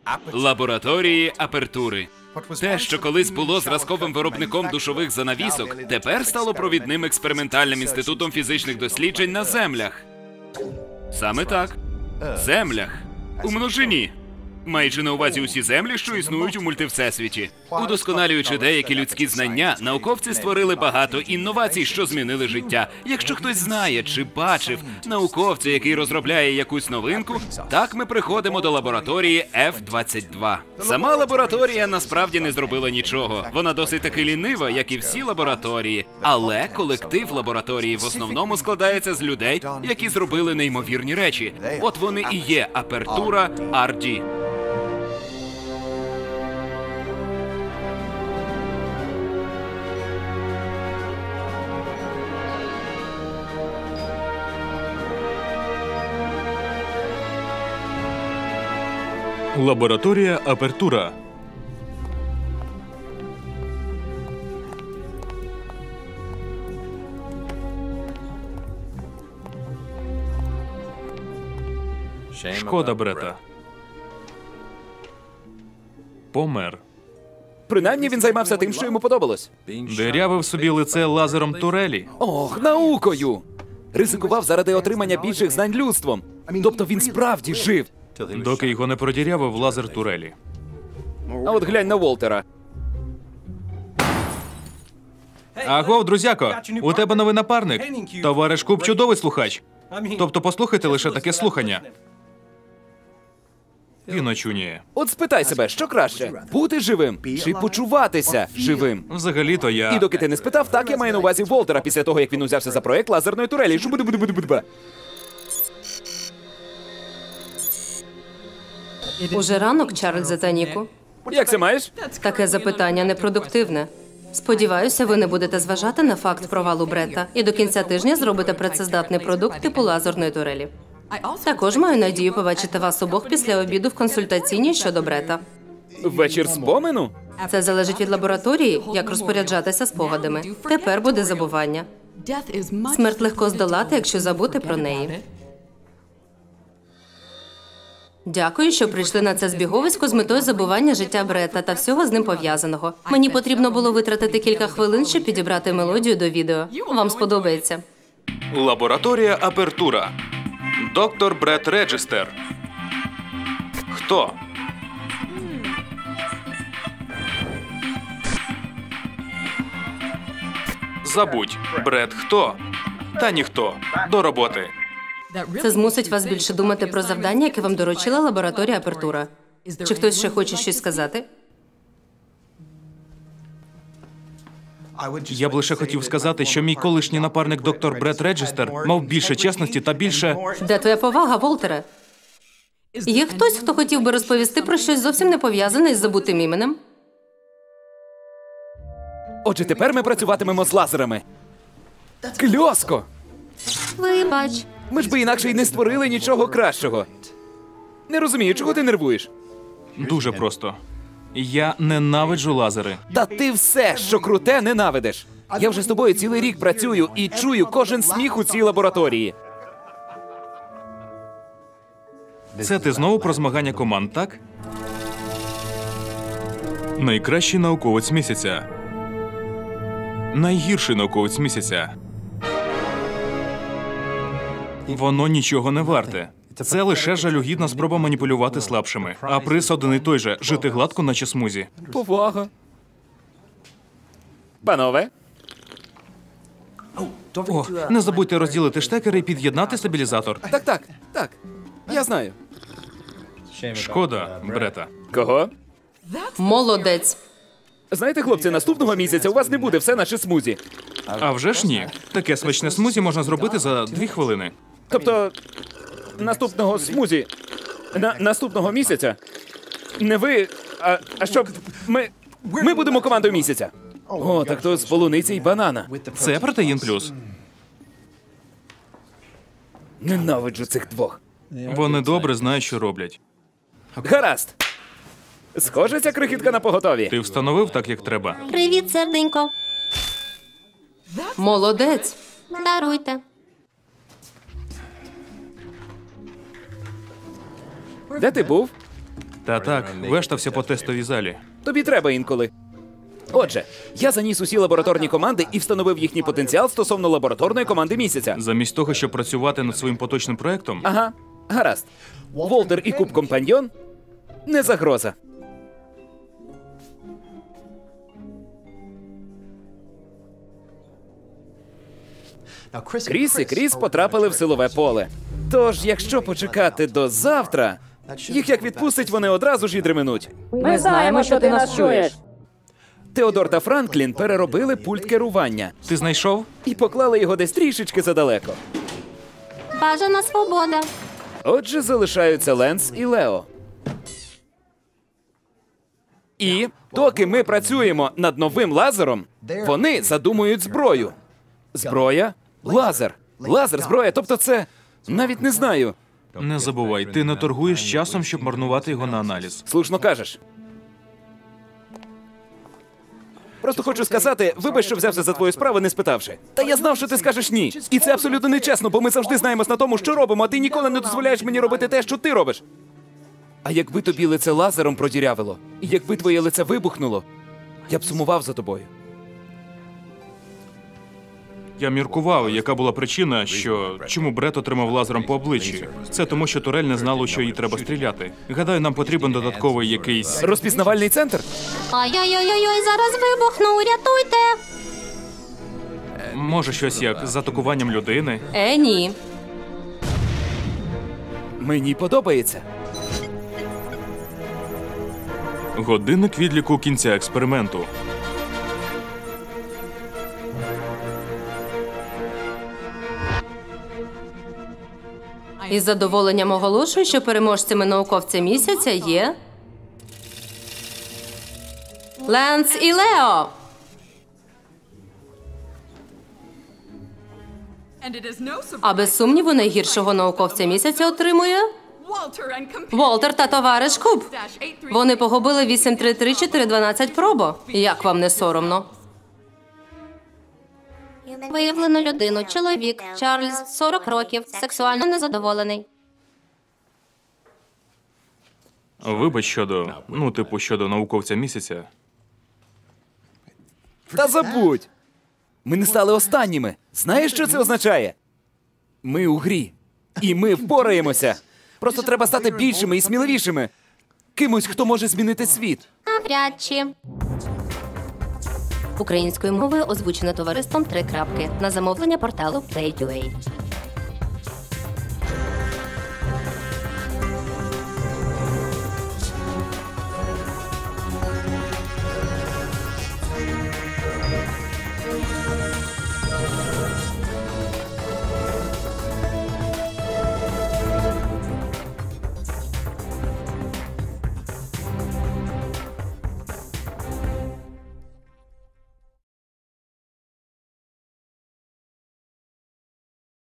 Лабораторії апертури. Те, що колись було зразковим виробником душових занавісок, тепер стало провідним експериментальним інститутом фізичних досліджень на землях. Саме так. Землях. У множині. Маючи на увазі усі землі, що існують у мультивсесвіті. Удосконалюючи деякі людські знання, науковці створили багато інновацій, що змінили життя. Якщо хтось знає чи бачив науковця, який розробляє якусь новинку, так ми приходимо до лабораторії F-22. Сама лабораторія насправді не зробила нічого. Вона досить таки лінива, як і всі лабораторії. Але колектив лабораторії в основному складається з людей, які зробили неймовірні речі. От вони і є апертура RD. Лабораторія апертура. Шкода Брета. Помер. Принаймні він займався тим, що йому подобалось. Дирявив собі лице лазером турелі. Ох, наукою! Ризикував заради отримання більших знань людством. Тобто він справді жив. Доки його не продірявив лазер турелі. А от глянь на Волтера. Агов, друзяко, у тебе новий напарник. Товариш Куб чудовий слухач. Тобто послухайте лише таке слухання. Він очуняє. От спитай себе, що краще? Бути живим чи почуватися живим? Взагалі-то І я... доки ти не спитав, так я маю на увазі Волтера після того, як він узявся за проект лазерної турелі. Жу-бу-ду-бу-ду-бу-ду-бу. Уже ранок, Чарльзе та Ніку. Як це маєш? Таке запитання непродуктивне. Сподіваюся, ви не будете зважати на факт провалу Брета і до кінця тижня зробите працездатний продукт типу лазерної турелі. Також маю надію побачити вас обох після обіду в консультаційній щодо Брета. Вечір спомену? Це залежить від лабораторії, як розпоряджатися спогадами. Тепер буде забування. Смерть легко здолати, якщо забути про неї. Дякую, що прийшли на це збіговисько з метою забування життя Брета та всього з ним пов'язаного. Мені потрібно було витратити кілька хвилин, щоб підібрати мелодію до відео. Вам сподобається. Лабораторія апертура. Доктор Брет Реджестер. Хто? Забудь. Брет хто? Та ніхто. До роботи. Це змусить вас більше думати про завдання, яке вам доручила лабораторія апертура. Чи хтось ще хоче щось сказати? Я б лише хотів сказати, що мій колишній напарник доктор Брет Реджестер мав більше чесності та більше... Де твоя повага, Волтере? Є хтось, хто хотів би розповісти про щось зовсім не пов'язане із забутим іменем? Отже, тепер ми працюватимемо з лазерами. Кльоско! Вибач. Ми ж би інакше й не створили нічого кращого. Не розумію, чого ти нервуєш? Дуже просто. Я ненавиджу лазери. Та ти все, що круте, ненавидиш. Я вже з тобою цілий рік працюю і чую кожен сміх у цій лабораторії. Це ти знову про змагання команд, так? Найкращий науковець місяця. Найгірший науковець місяця. Воно нічого не варте. Це лише жалюгідна спроба маніпулювати слабшими. А приз один і той же – жити гладко, наче смузі. Повага. Панове, О, не забудьте розділити штекери і під'єднати стабілізатор. так. Я знаю. Шкода, Брета. Кого? Молодець. Знаєте, хлопці, наступного місяця у вас не буде все наше смузі. А вже ж ні. Таке смачне смузі можна зробити за 2 хвилини. Тобто, наступного смузі, наступного місяця, не ви, а щоб ми будемо командою місяця. О, так то з полуниці й банана. Це протеїн плюс. Ненавиджу цих двох. Вони добре знають, що роблять. Гаразд. Схоже, ця крихітка на поготові. Ти встановив так, як треба. Привіт, серденько. Молодець. Даруйте. Де ти був? Та так, вештався по тестовій залі. Тобі треба інколи. Отже, я заніс усі лабораторні команди і встановив їхній потенціал стосовно лабораторної команди місяця. Замість того, щоб працювати над своїм поточним проектом, Ага, гаразд. Волтер і Куб Компаньйон – не загроза. Кріс і Кріс потрапили в силове поле. Тож, якщо почекати до завтра, їх як відпустить, вони одразу ж і дременуть. Ми знаємо, що ти нас чуєш. Теодор та Франклін переробили пульт керування ти знайшов? і поклали його десь трішечки задалеко. Бажана свобода. Отже, залишаються Ленс і Лео. І доки ми працюємо над новим лазером, вони задумують зброю. Зброя? Лазер. Лазер, зброя, тобто це... Навіть не знаю. Не забувай, ти не торгуєш часом, щоб марнувати його на аналіз. Слушно кажеш. Просто хочу сказати, вибач, що взявся за твою справу, не спитавши. Та я знав, що ти скажеш ні. І це абсолютно нечесно, бо ми завжди знаємось на тому, що робимо, а ти ніколи не дозволяєш мені робити те, що ти робиш. А якби тобі лице лазером продірявило, і якби твоє лице вибухнуло, я б сумував за тобою. Я міркував, яка була причина, чому Бред отримав лазером по обличчі. Це тому, що турель не знала, у що їй треба стріляти. Гадаю, нам потрібен додатковий якийсь... Розпізнавальний центр? Ай-яй-яй-яй, зараз вибухну, рятуйте. Може, щось як з атакуванням людини? Ні. Мені подобається. Годинник відліку кінця експерименту. Із задоволенням оголошую, що переможцями науковця місяця є... Ленс і Лео! А без сумніву найгіршого науковця місяця отримує... Волтер та товариш Куб. Вони погубили 833-412 пробо. Як вам не соромно? Виявлено людину. Чоловік. Чарльз, 40 років. Сексуально незадоволений. Вибач щодо... щодо науковця місяця. Та забудь! Ми не стали останніми. Знаєш, що це означає? Ми у грі. І ми впораємося. Просто треба стати більшими і сміливішими. Кимось, хто може змінити світ. Навряд чи. Українською мовою озвучено товариством 3 крапки на замовлення порталу Play.ua.